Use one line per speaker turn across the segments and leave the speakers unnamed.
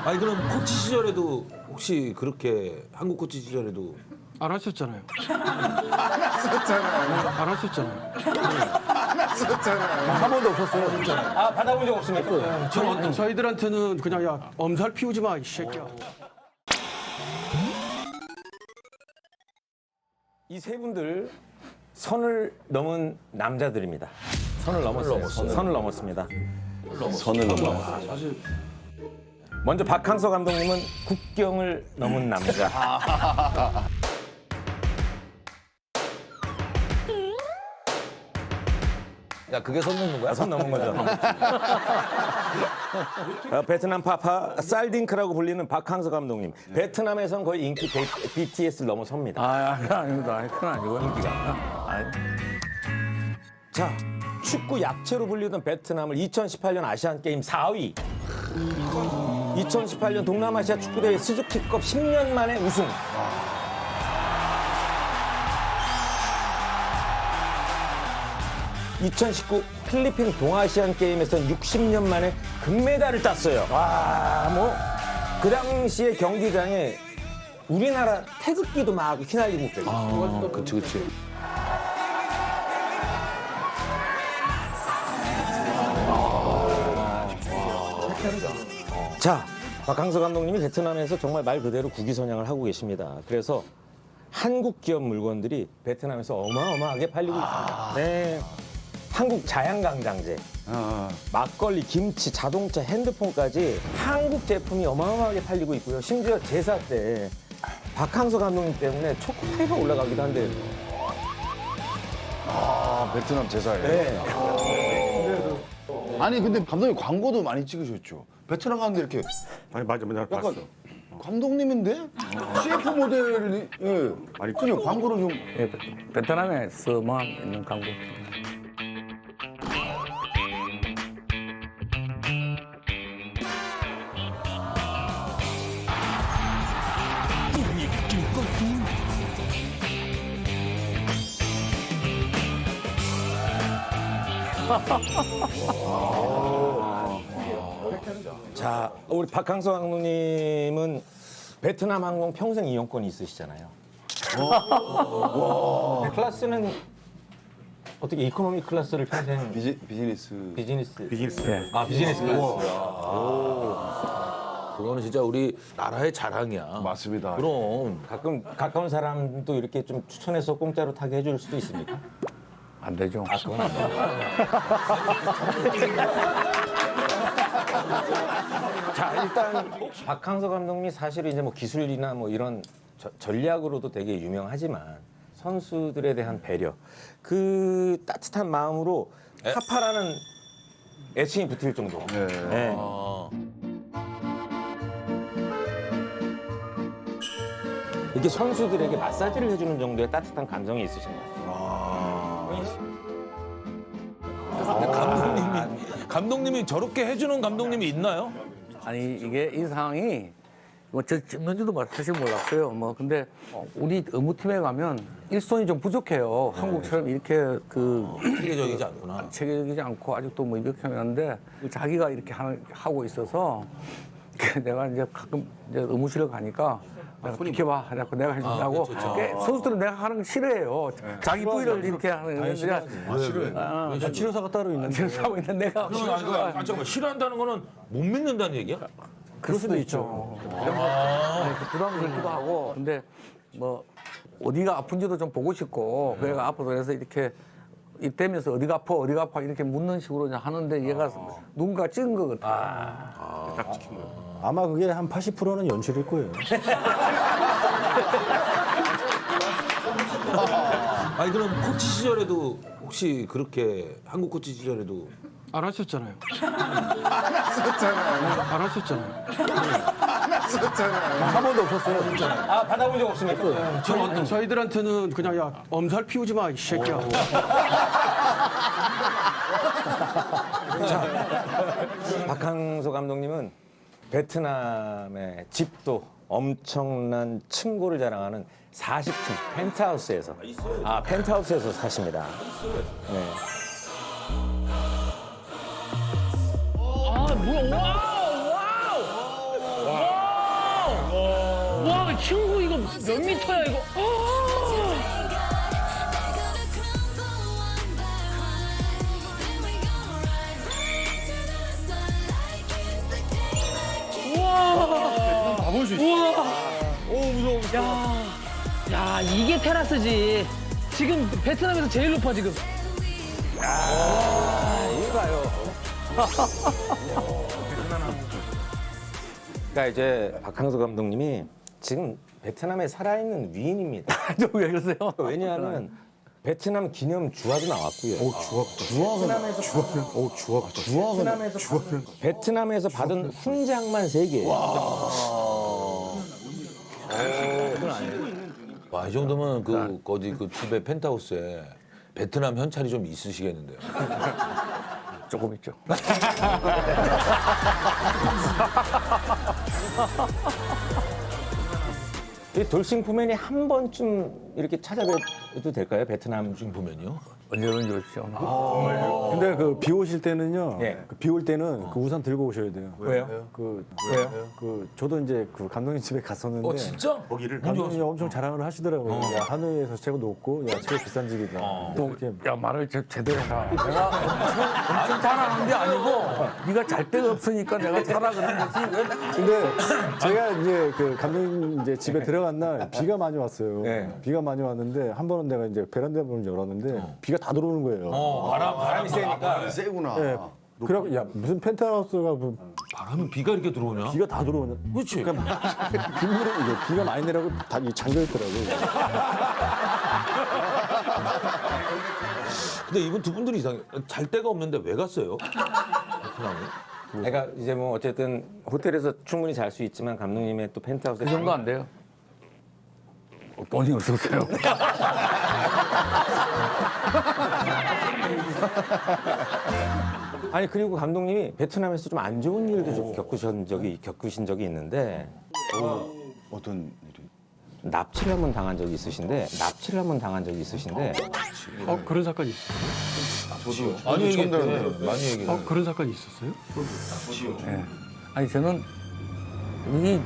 아니 그럼 코치 시절에도 혹시 그렇게 한국 코치 시절에도
안 하셨잖아요.
썼잖아요.
안 하셨잖아요.
썼잖아요.
한 번도 없었어요, 진짜.
아, 받아본 적 없습니까?
저희들한테는 그냥 야 엄살 피우지 마 이 새끼야.
이 세 분들 선을 넘은 남자들입니다. 선을 넘었어요. 선을 넘었습니다.
선을 넘어.
먼저 박항서 감독님은 국경을 넘은 남자.
야 그게 선 넘는 거야?
선 넘은 거죠. 베트남 파파 살딩크라고 불리는 박항서 감독님. 베트남에선 거의 인기 BTS를 넘어섭니다.
아, 그건 아닙니다. 그건 아니고. 인기가.
자, 축구 약체로 불리던 베트남을 2018년 아시안 게임 4위. 2018년 동남아시아 축구대회 스즈키컵 10년 만에 우승. (2019) 필리핀 동아시안 게임에서는 60년 만에 금메달을 땄어요. 와, 뭐 그 당시에 경기장에 우리나라 태극기도 막 휘날리고 그래요.
아, 그치.
자, 박항서 감독님이 베트남에서 정말 말 그대로 국위선양을 하고 계십니다. 그래서 한국 기업 물건들이 베트남에서 어마어마하게 팔리고 있습니다. 네. 한국 자양강장제, 막걸리, 김치, 자동차, 핸드폰까지 한국 제품이 어마어마하게 팔리고 있고요. 심지어 제사 때 박항서 감독님 때문에 초코파이가 올라가기도 한대요.
아, 베트남 제사에.
네.
아니, 근데 감독님 광고도 많이 찍으셨죠? 베트남 가는데 이렇게
아니 맞아, 나 봤어.
약간 감독님인데? CF 모델이, 예. 아니, 그냥 광고를 좀.
예, 베트남에서만 있는 광고.
자, 우리 박항서 감독님은 베트남 항공 평생 이용권이 있으시잖아요. 클래스는 어떻게 이코노미 클래스를 평생
비즈니스.
비즈니스
예.
아 비즈니스 클래스.
그거는 진짜 우리 나라의 자랑이야.
맞습니다.
그럼
가끔 가까운 사람도 이렇게 좀 추천해서 공짜로 타게 해줄 수도 있습니까?
안 되죠.
그건 안 돼요. 자, 일단 박항서 감독님이 사실은 이제 뭐 기술이나 뭐 이런 전략으로도 되게 유명하지만 선수들에 대한 배려, 그 따뜻한 마음으로 파파라는 애칭이 붙을 정도.
네.
네. 이렇게 선수들에게 마사지를 해주는 정도의 따뜻한 감정이 있으신 것 같아요.
감독님이 저렇게 해주는 감독님이 있나요?
아니 이게 이 상황이 뭐 저 찍는지도 사실 몰랐어요. 뭐 근데 우리 업무팀에 가면 일손이 좀 부족해요. 한국처럼 이렇게 그
체계적이지 않구나.
체계적이지 않고 아직도 뭐 이렇게 하는데 자기가 이렇게 하고 있어서 내가 이제 가끔 이제 의무실에 가니까 내가 비켜봐 하자고 내가 해준다고. 선수들은 내가 하는 거 싫어해요. 자기 부위를 이렇게 하는 건데 싫어해. 치료사가 따로 있는데 치료사가 있는데 내가
잠깐만 싫어한다는 거는 못 믿는다는 얘기야?
그럴 수도 있죠. 부담스럽기도 하고. 근데 뭐 어디가 아픈지도 좀 보고 싶고 그래가 아파서 그래서 이렇게 이때면서 어디가 아파 이렇게 묻는 식으로 이제 하는데 얘가 누군가 찍은 것 같아.
딱 지킨 거야.
아마 그게 한 80%는 연출일 거예요.
아니 그럼 코치 시절에도 혹시 그렇게 한국 코치 시절에도
안 하셨잖아요.
썼잖아요.
안 하셨잖아요.
썼잖아요.
한 번도 없었어요, 진짜.
아, 받아본 적 없습니까?
저희들한테는 그냥 야 엄살 피우지 마 이 새끼야.
박항서 감독님은 베트남의 집도 엄청난 층고를 자랑하는 40층 펜트하우스에서 펜트하우스에서 사십니다. 네.
아니 친구 이거 몇 미터야 이거? 우와.
가볼 수 있어. 오 무서워.
야 이게 테라스지. 지금 베트남에서 제일 높아 지금.
그러니까 이제 박항서 감독님이 지금 베트남에 살아있는 위인입니다.
왜 그러세요?
왜냐하면 베트남 기념 주화도 나왔고요. 베트남에서 받은 훈장만 3개.
와, 이 정도면 그 어디 그 집에 펜트하우스에 베트남 현찰이 좀 있으시겠는데요.
조금 있죠.
이 돌싱푸맨이 한 번쯤 이렇게 찾아뵈도 될까요? 베트남
지금 보면요.
언제든지 오십시오.
근데 그 비 오실 때는요.
예.
비 올 때는 그 우산 들고 오셔야 돼요.
왜요?
왜요? 저도 이제 그 감독님 집에 갔었는데
진짜?
감독님이 엄청 자랑을 하시더라고요. 야, 하노이에서 최고 높고 야 최고 비싼 집이다. 이렇게
야 말을 제대로 해라. 내가 엄청 잘하는 게 아니고 네가 잘 데가 없으니까 내가 살아 그런 거지. 왜 내가
근데 제가 이제 그 감독님 이제 집에 들어간 날 비가 많이 왔어요.
네.
비가 많이 왔는데 한 번은 내가 이제 베란다 문을 열었는데 비가 다 들어오는 거예요.
바람이 세니까.
세구나.
네. 그래갖고 야 무슨 펜트하우스가 뭐
바람은 비가 이렇게 들어오냐?
비가 다 들어오냐?
그렇지.
빗물에 이게 비가 많이 내려고 다 잠겨 있더라고요.
근데 이분 두 분들이 이상해. 잘 데가 없는데 왜 갔어요? 베트남에?
그러니까 이제 뭐 어쨌든 호텔에서 충분히 잘 수 있지만 감독님의 또 펜트하우스에
그 정도 안 돼요. 돈이 없었어요.
아니 그리고 감독님이 베트남에서 좀 안 좋은 일도 좀 겪으신 적이 있는데
어떤 일이?
납치를 한번 당한 적이 있으신데
그런 사건이 있어요.
많이
처음
얘기했대.
들었는데.
많이 얘기해.
그런 사건이 있었어요?
예. 아니 저는 이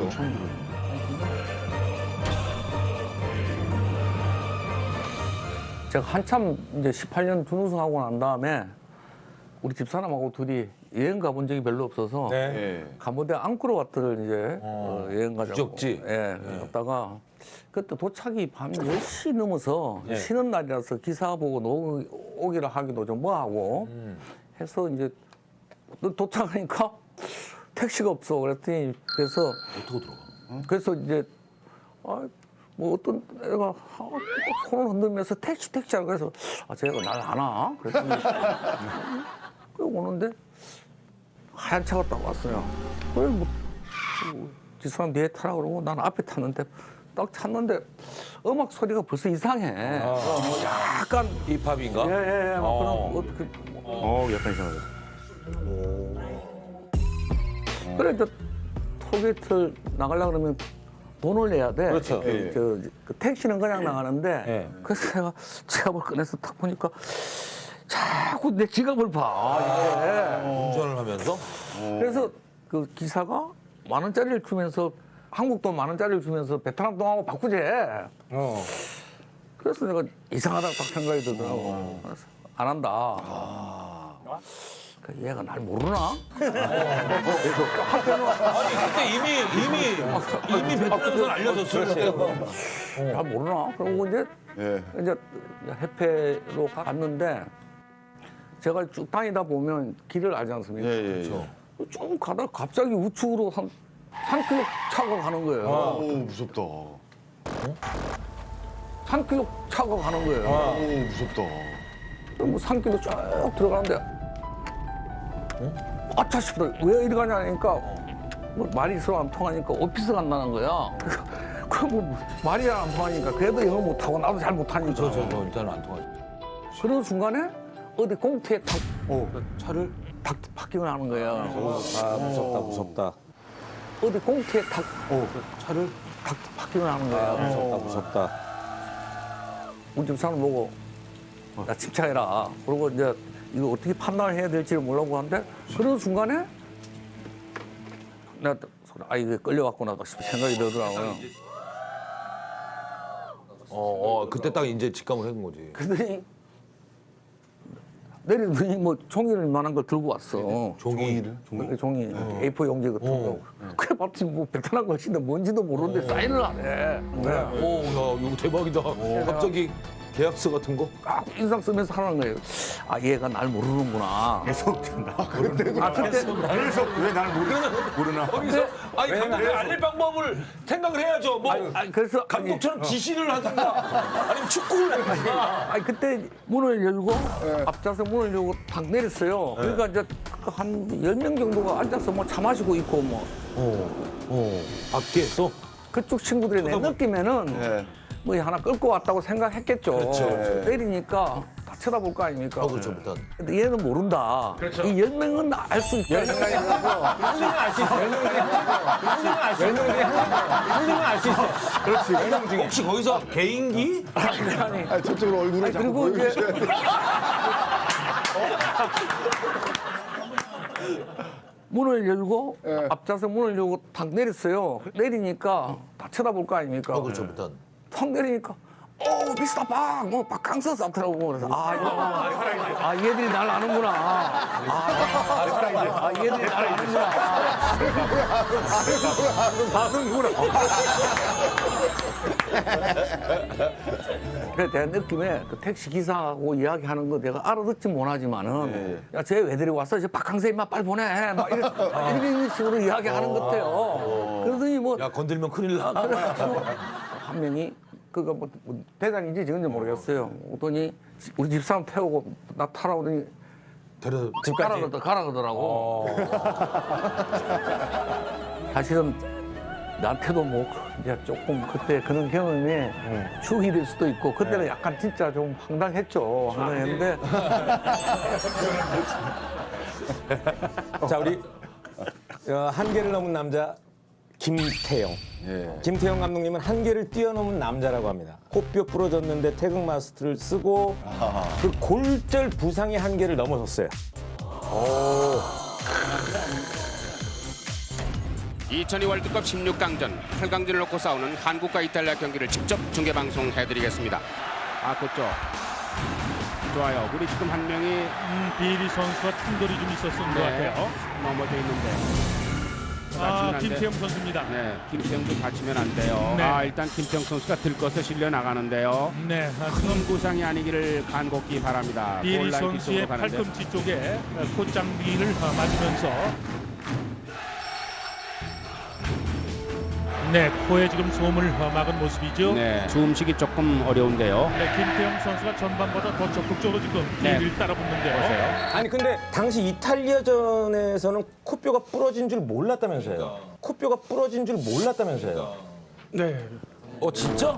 제가 한참 이제 18년 준우승하고 난 다음에 우리 집사람하고 둘이 여행 가본 적이 별로 없어서
예.
캄보디아 앙코르와트를 이제 여행 가자고.
유적지.
예, 갔다가 그때 도착이 밤 10시 넘어서 쉬는 날이라서 기사 보고 오기를 하기도 좀 뭐하고 해서 이제 도착하니까 택시가 없어. 그랬더니 그래서
어떻게 들어가?
그래서 이제 뭐 어떤 애가 손을 흔들면서 택시 하고 그래서 쟤가 날 아나? 그랬더니 그 오는데 하얀 차가 딱 왔어요. 그래 뭐 뒷사람 뒤에 타라 그러고 난 앞에 탔는데 딱 탔는데 음악 소리가 벌써 이상해. 뭐 약간
힙합인가?
예예예 막 그런 어떻게
약간 이상하다.
그래 이제 톨게이트를 나가려고 그러면 돈을 내야 돼.
그렇죠.
그 택시는 그냥 나가는데
예.
그래서 내가 지갑을 꺼내서 딱 보니까 자꾸 내 지갑을 봐. 이게.
운전을 하면서?
그래서 그 기사가 10,000원짜리를 주면서 한국 돈 10,000원짜리를 주면서 베트남 돈하고 바꾸재. 그래서 내가 이상하다고 딱 생각이 들더라고. 그래서 안 한다. 그 얘가 날 모르나?
아니 그때 이미 베트남에서 알려졌어요.
잘 모르나? 그러고 이제 이제 해패로 갔는데 제가 쭉 다니다 보면 길을 알지 않습니까?
예.
쭉 가다가 갑자기 우측으로 한 3km 차가 가는 거예요.
오 무섭다.
3km 차가 가는 거예요.
오 무섭다.
뭐 3km 쭉 들어가는데 아차 싶다. 왜 이리 가냐 하니까 뭐 말이 서로 안 통하니까 오피스 간다는 거야. 그뭐 말이 안 통하니까 그래도 영어 못하고 나도 잘 못하니까.
저 일단은 안 통하죠.
그러는 순간에 어디 공터에 탁
차를?
탁 파킹을 하는 거야.
무섭다.
어디 공터에 탁
차를?
탁 파킹을 하는 거야.
무섭다.
우리 집 사람 보고 야 침착해라. 그리고 이제 이거 어떻게 판단을 해야 될지를 모르고 하는데 그런 순간에 내가 아 이게 끌려왔구나 싶은 생각이 들더라고요.
그때 딱 이제 직감을 해본 거지.
그러더니 내리더니 뭐 종이를 만한 걸 들고 왔어.
종이를?
종이 A4 용지 같은 거. 그래 봤지 뭐 베트남 것인데 뭔지도 모르는데 사인을 안 해. 그래.
오, 야, 이거 대박이다. 갑자기 계약서 같은 거?
막 인상 쓰면서 하는 거예요. 아 얘가 날 모르는구나.
계속 그때 계속 왜 날 모르나?
거기서 아니 감독이 알릴 방법을 생각을 해야죠. 뭐
그래서
감독처럼 지시를 하든가 아니면 축구를 하든가.
아니 그때 문을 열고 앞좌석 문을 열고 탁 내렸어요. 그러니까 이제 한 10명 정도가 앉아서 뭐 차 마시고 있고 뭐
밖에서?
그쪽 친구들이 내 느낌에는 뭐 하나 끌고 왔다고 생각했겠죠. 때리니까 다 쳐다볼 거 아닙니까?
그렇죠, 일단.
근데 얘는 모른다. 이 10명은 알 수 있다 생각이 들어서
혹시 거기서 개인기?
아니, 저쪽으로 얼굴을 자꾸
그리고 이제
보여주셔야 돼.
문을 열고 앞좌석 문을 열고 탁 내렸어요. 내리니까 다 쳐다볼 거 아닙니까?
그렇죠, 일단.
턱 내리니까 미스터 박! 뭐 박강서 싸더라고. 그래서 얘들이 날 아는구나. 얘들이 날 아는구나. 그래 내가 느낌에 그 택시 기사하고 이야기하는 거 내가 알아듣지 못하지만은 야 쟤 왜 데리고 왔어? 저 박강서 임마 빨리 보내. 막 이런 식으로 이야기하는 것 같아요. 그러더니 뭐
야 건들면 큰일 나.
그래가지고 한 명이 그거 뭐 대장인지 지금인지 모르겠어요. 오더니 우리 집사람 태우고 나 타라 오더니 집 가라 그러더라고. 사실은 나한테도 뭐 이제 조금 그때 그런 경험이 추억이 될 수도 있고 그때는 약간 진짜 좀 황당했죠. 황당했는데
자, 우리 한계를 넘은 남자 김태형. 김태형 감독님은 한계를 뛰어넘은 남자라고 합니다. 코뼈 부러졌는데 태극 마스크를 쓰고 그 골절 부상의 한계를 넘어섰어요.
2002 월드컵 16강전 8강전을 놓고 싸우는 한국과 이탈리아 경기를 직접 중계방송해드리겠습니다. 그쪽 좋아요. 우리 지금 한 명이
비리 선수와 충돌이 좀 있었던 것 같아요.
넘어져 있는데 다치면 안 돼.
김태형 선수입니다.
네, 김태형도 다치면 안 돼요.
네.
일단 김태형 선수가 들것에 실려 나가는데요.
네,
큰 부상이 아니기를 간곡히 바랍니다.
비리
골라인
선수의
뒤쪽으로 가는데.
팔꿈치 쪽에 콧장비를 맞으면서 네, 코에 지금 소음을 막은 모습이죠.
네, 숨쉬기 조금 어려운데요.
네, 김태형 선수가 전반보다 더 적극적으로 지금 비리를 따라붙는데요.
아니 근데 당시 이탈리아전에서는 코뼈가 부러진 줄 몰랐다면서요. 코뼈가 부러진 줄 몰랐다면서요.
네.
진짜?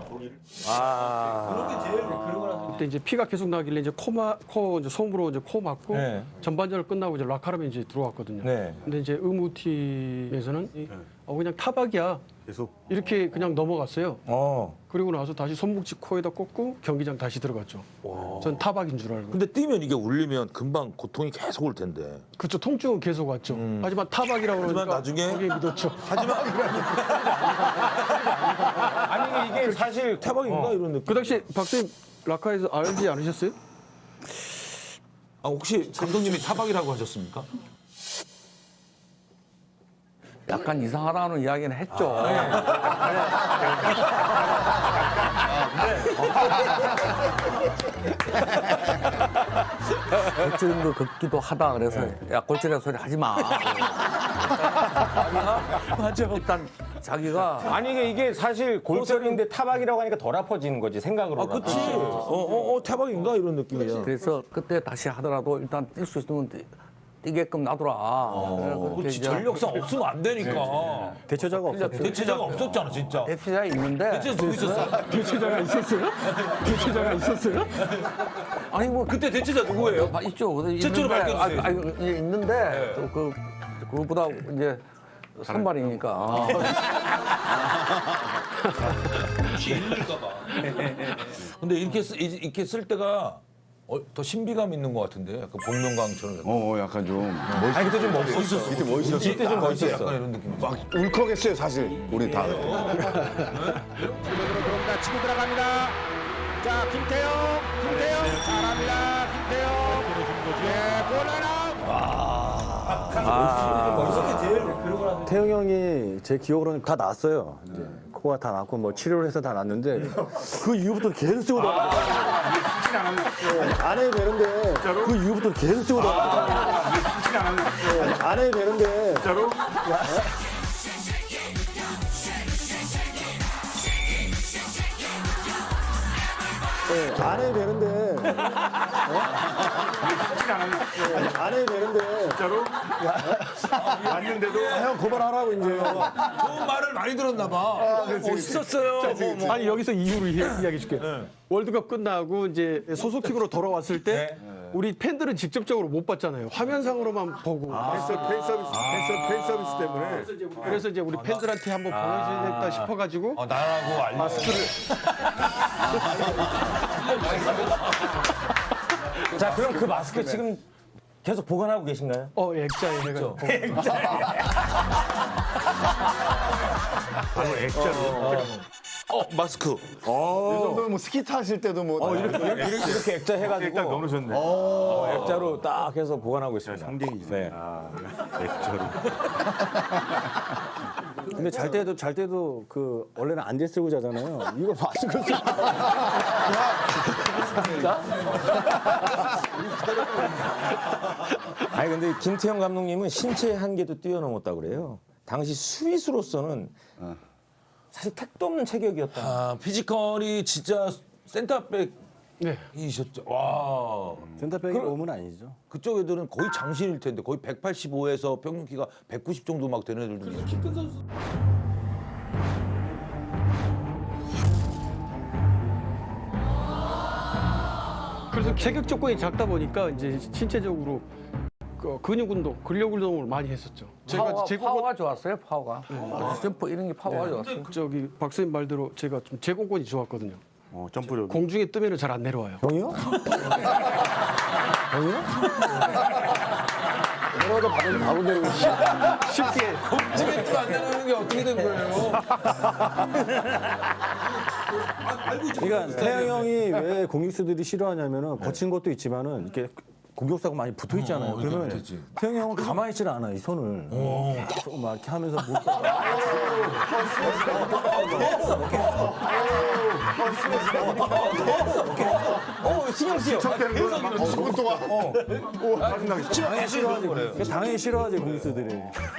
그때 이제 피가 계속 나길래 이제 코 이제 솜으로 이제 코 맞고
네.
전반전을 끝나고 이제 라카람에 이제 들어왔거든요.
네.
근데 이제 의무팀에서는 그냥 타박이야.
계속.
이렇게 그냥 넘어갔어요.
어.
그리고 나서 다시 손목지 코에다 꽂고 경기장 다시 들어갔죠. 전 타박인 줄 알고.
근데 뛰면 이게 울리면 금방 고통이 계속 올 텐데.
그렇죠. 통증은 계속 왔죠. 하지만 타박이라고
하지만
그러니까
나중에
거기에 믿었죠.
아니 이게 사실
태박인가 이런 느낌.
그 당시 박사님 라카에서 알지 않으셨어요?
혹시 감독님이 타박이라고 하셨습니까?
약간 이상하다는 이야기는 했죠. 골절인 거 걷기도 하다 그래서 야 골절이라 소리 하지 마. 맞아. 일단 자기가
아니 이게 사실 골절인데 타박이라고 하니까 덜 아파지는 거지 생각으로.
그치. 태박인가 이런 느낌이야.
그래서 그때 다시 하더라도 일단 뛸 수 있으면 뛰게끔 놔둬라.
그렇지. 전력상 없으면 안 되니까.
대처자가 없었죠.
대체자가 없었잖아 진짜.
대피자 있는데
대체자 누구 있었어?
대체자가 있었어요? 대체자가 있었어요?
아니 뭐
그때 대체자 누구예요?
있죠.
최초로 밝혀주세요.
있는데 또 그거보다 이제 선발이니까.
근데 이렇게 쓸 때가 더 신비감 있는 것 같은데 약간 복면가왕처럼.
약간 좀
아니 그때 좀 멋있었어.
그때 멋있었어.
이때 좀 멋있었어. 약간 이런 느낌.
막 울컥했어요 사실 우리 다.
지금으로 들어옵니다. 치고 들어갑니다. 자, 김태형 잘합니다. 김태형. 예, 볼라나.
태영 형이 제 기억으로는 다 났어요. 이제 코가 다 났고 뭐 치료를 해서 다 났는데 그 이후부터 계속 쓰고 다녔어요. 안 해도 되는데 그 이후부터 계속 쓰고 다녔어요. 안 해도 되는데 진짜로? 안 해도 되는데 안 해도 되는데 진짜로? 맞는데도 형 고발하라고 이제.
좋은 말을 많이 들었나 봐. 멋있었어요.
아니 여기서 이유를 이야기해 줄게. 월드컵 끝나고 이제 소속팀으로 돌아왔을 때 우리 팬들은 직접적으로 못 봤잖아요. 화면상으로만 보고.
팬 서비스 때문에.
그래서 이제 우리 팬들한테 한번 보여줘야겠다 싶어가지고
나라고 알려.
마스크를
자, 그럼 그 마스크 지금 계속 보관하고 계신가요?
액자에 해가지고.
마스크.
이 정도면 뭐 스키 타실 때도 뭐.
이렇게 액자 해가지고 딱 넣으셨네. 액자로 딱 해서 보관하고 있습니다.
상징이지.
네.
근데 잘 때도 그 원래는 안대 쓰고 자잖아요. 이거 마스크 쓰고.
아니 근데 김태형 감독님은 신체의 한계도 뛰어넘었다고 그래요. 당시 수비수로서는 사실 택도 없는 체격이었다.
피지컬이 진짜 센터백이셨죠. 와.
센터백이 오면 아니죠.
그쪽 애들은 거의 장신일 텐데 거의 185에서 평균 키가 190 정도 막 되는 애들도 있고. 키큰 선수.
그래서 체격 조건이 작다 보니까 이제 신체적으로 근육 운동, 근력 운동을 많이 했었죠.
파워가 좋았어요. 파워가. 점프 이런 게 파워가 좋았어요.
저기 박사님 말대로 제가 좀 제공권이 좋았거든요.
점프력.
공중에 뜨면은 잘 안 내려와요.
형이요? 형이요? 내려가다 바로 내려오고.
쉽게
공중에 안 되는 게 어떻게 된 거예요?
그러니까 태영 형이 왜 공격수들이 싫어하냐면은 거친 것도 있지만은 이렇게 공격수하고 많이 붙어 있잖아요. 그러면
붙어있지.
태영 형은 가만히 있질 않아 이 손을. 계속 막 이렇게 하면서 못.
신경 쓰여.
당연히 싫어하지 공격수들이.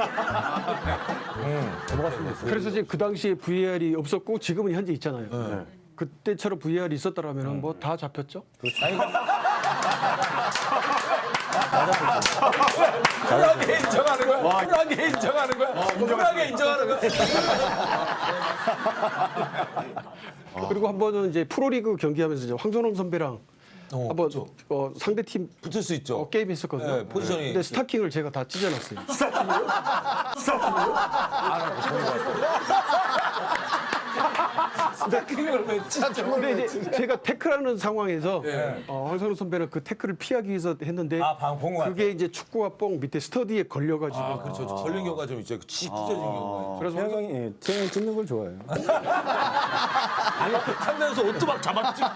그래서 이제 그 당시에 VAR이 없었고 지금은 현재 있잖아요. 그때처럼 VAR이 있었더라면 뭐 다 잡혔죠.
쿨하게 인정하는 거야. 쿨하게 인정하는 거야. 쿨하게 인정하는 거야.
그리고 한 번은 이제 프로리그 경기하면서 이제 황선홍 선배랑 한번 상대 팀
붙을 수 있죠.
게임 했었거든요.
네, 포지션이.
근데 스타킹을 제가 다 찢어놨어요.
스타킹을 왜 찢어?
근데 이제 제가 태클하는 상황에서 황선홍 선배는 그 태클을 피하기 위해서 했는데
방금 본 것 같아요.
그게 이제 축구화 뽕 밑에 스터디에 걸려가지고
그렇죠. 걸린 경우가 좀 있죠. 찢어진 경우가.
그래서
태영 형이 태영 형이 찢는 걸 좋아해요.
상대에서 옷도 막 잡아찍고.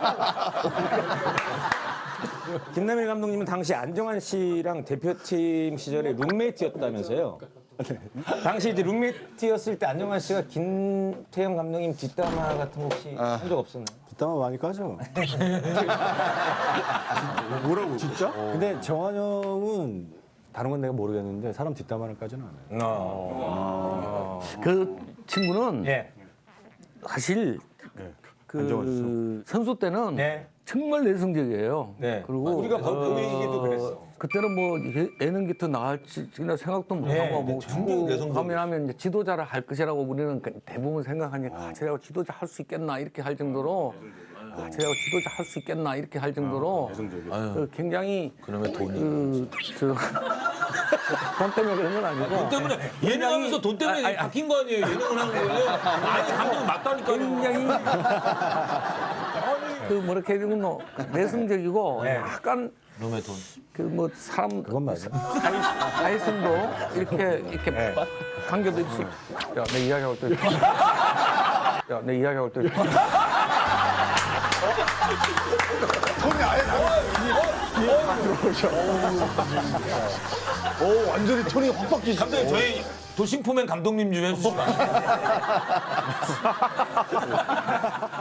김남일 감독님은 당시 안정환 씨랑 대표팀 시절에 룸메이트였다면서요? 당시 이제 룸메이트였을 때 안정환 씨가 김태형 감독님 뒷담화 같은 거 혹시 한 적 없었나요?
뒷담화 많이 까죠.
뭐라고?
진짜? 근데 정한 형은 다른 건 내가 모르겠는데 사람 뒷담화를 까지는 않아요.
그 친구는
예.
사실 그 선수 때는
네.
정말 내성적이에요.
네.
그리고
우리가 보이기도 그랬어.
그때는 뭐 예능기터 나갈지 생각도 못
네,
하고 뭐
굉장히
축구
내성적이었어요.
하면 이제 지도자를 할 것이라고 우리는 대부분 생각하니까 쟤가 지도자 할 수 있겠나 이렇게 할 정도로 쟤가 지도자 할 수 있겠나 이렇게 할 정도로 굉장히
그놈의 돈이.
돈 때문에 그런 건 아니고.
돈 때문에 예능하면서 돈 때문에 바뀐 거 아니에요? 예능을 한 거예요? 아니 감독은 맞다니까요.
굉장히 그 뭐라 해야 되나 내성적이고 약간
놈의 돈.
그 뭐 사람
그건 맞아.
사회성도 이렇게 관계도 있어. 야내 이야기할 때. 야내 이야기할 때.
손이 아예 오, 완전히 톤이 확 바뀌시네.
감독님 저희 도심포맨 감독님 좀 해주시면 안 돼요?